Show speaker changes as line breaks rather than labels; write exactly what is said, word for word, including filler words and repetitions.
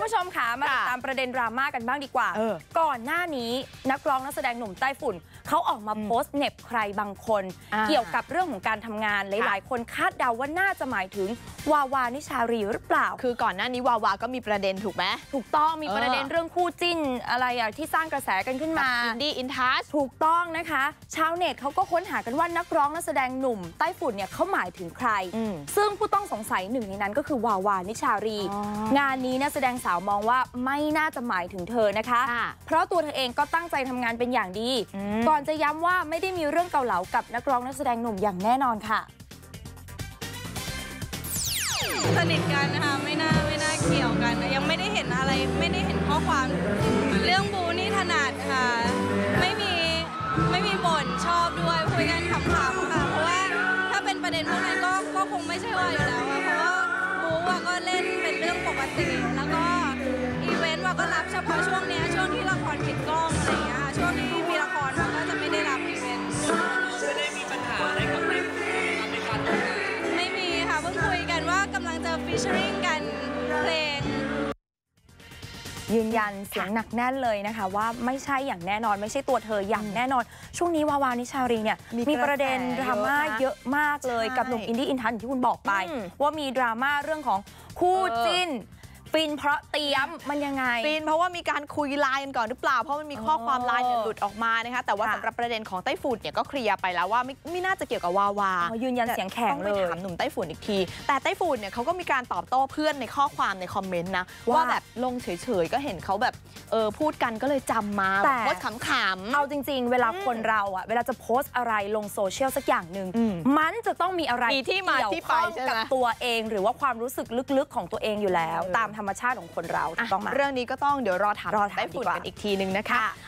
ผู้ชมค่ะมาติดตามประเด็นดราม่ากันบ้างดีกว่าก่อนหน้านี้นักร้องนักแสดงหนุ่มไต้ฝุ่นเขาออกมาโพสต์เหน็บใครบางคนเกี่ยวกับเรื่องของการทำงานหลายๆคนคาดเดาว่าน่าจะหมายถึงวาวานิชารีหรือเปล่า
คือก่อนหน้านี้วาวาก็มีประเด็นถูกไหม
ถูกต้องมีประเด็นเรื่องคู่จิ้นอะไรอะที่สร้างกระแสกันขึ้นมา
อินดี้อินทัช
ถูกต้องนะคะชาวเน็ตเขาก็ค้นหากันว่านักร้องนักแสดงหนุ่มไต้ฝุ่นเนี่ยเขาหมายถึงใครซึ่งผู้ต้องสงสัยหนึ่งในนั้นก็คือวาวานิชารีงานนี้นักแสดงสาวมองว่าไม่น่าจะหมายถึงเธอนะคะเพราะตัวเธอเองก็ตั้งใจทำงานเป็นอย่างดีก่อนจะย้ำว่าไม่ได้มีเรื่องเกาเหลากับนักร้องนักแสดงหนุ่มอย่างแน่นอนค่ะ
สนิทกันนะคะไม่น่าไม่น่าเกี่ยวกันยังไม่ได้เห็นอะไรไม่ได้เห็นข้อความเรื่องบูนี่ถนัดค่ะไม่มีไม่มีบ่นชอบด้วยคุยกันขำๆค่ะเพราะว่าถ้าเป็นประเด็นพวกนั้นก็ก็คงไม่ใช่ว่าอยู่แล้วอะเพราะว่าบูว่าก็เล่นเป็นเรื่องปกติแล้วก็อีเวนต์ว่าก็รับเฉพาะช่วงนี้ช่วงที่ละครปิดกล้องอะไรอย่างเงี้ยค่ะช่วงที่มีละครเราก็จะไม่ได้รับอีเวนต์
ไม่ได้มีปัญหาอะไรกับในในการทำงาน
ไม่มีค่ะเพิ่งคุยกันว่ากำลังจะฟีเจอริ่งกันเพลง
ยืนยันเสียงหนักแน่นเลยนะคะว่าไม่ใช่อย่างแน่นอนไม่ใช่ตัวเธออย่างแน่นอนช่วงนี้วาวานิชารีเนี่ยมีประเด็นดราม่าเยอะมากเลยกับหนุ่มอินดี้อินทัชที่คุณบอกไปว่ามีดราม่าเรื่องของคู่จิ้นฟินเพราะเตรียมมันยังไง
ฟินเพราะว่ามีการคุยไลน์กันก่อนหรือเปล่าเพราะมันมีข้อความไลน์เนี่ยหลุดออกมานะคะแต่ว่าสำหรับประเด็นของไต้ฝุ่นเนี่ยก็เคลียร์ไปแล้วว่าไม่ไม่น่าจะเกี่ยวกับวาวา
ยืนยันเสียงแข็งเลย
ต้องไปถามหนุ่มไต้ฝุ่นอีกทีแต่ไต้ฝุ่นเนี่ยเขาก็มีการตอบโต้เพื่อนในข้อความในคอมเมนต์นะว่าแบบลงเฉยๆก็เห็นเขาแบบเออพูดกันก็เลยจำมาโพสต์ขำๆ
เอาจริงๆเวลาคนเราอ่ะเวลาจะโพสต์อะไรลงโซเชียลสักอย่างหนึ่งมันจะต้องมีอะไร
ที่มาที่ไป
กับตัวเองหรือว่าความรู้สึกลึกๆของตัวเองอยู่แล้วตามธรรมชาติของคนเราต้องมา
เรื่องนี้ก็ต้องเดี๋ยวรอถามไต้ฝุ่นกันอีกทีนึงนะคะ